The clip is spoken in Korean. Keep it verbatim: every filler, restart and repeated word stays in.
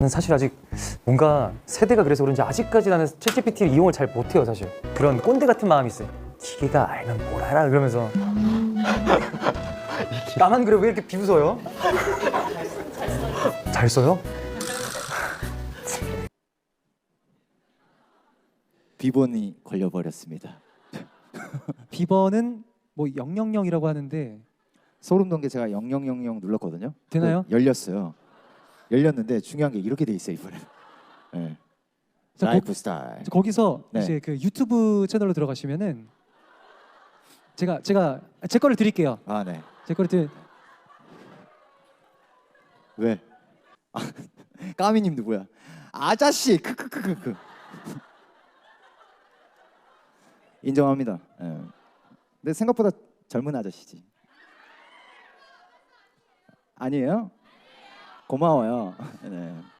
사실 아직 뭔가 세대가 그래서 그런지 아직까지 나는 챗지피티를 이용을 잘 못해요. 사실 그런 꼰대 같은 마음이 있어요. 기계가 알면 뭘 알아 그러면서 나만 그래 왜 이렇게 비웃어요? 잘 써요? 비번이 걸려버렸습니다. 비번은 뭐 영영영이라고 하는데 소름 돋은 게 제가 영영영영 눌렀거든요. 되나요? 그 열렸어요. 열렸는데 중요한 게 이렇게 돼 있어요 이번에. 네. 자, 라이프 거, 스타일. 거기서 네. 이제 그 유튜브 채널로 들어가시면은 제가 제가 제 거를 드릴게요. 아 네. 제 거를 드 왜? 아, 까미님 누구야? 아저씨 크크크크크. 인정합니다. 예. 근데 생각보다 젊은 아저씨지. 아니에요? 고마워요. 네.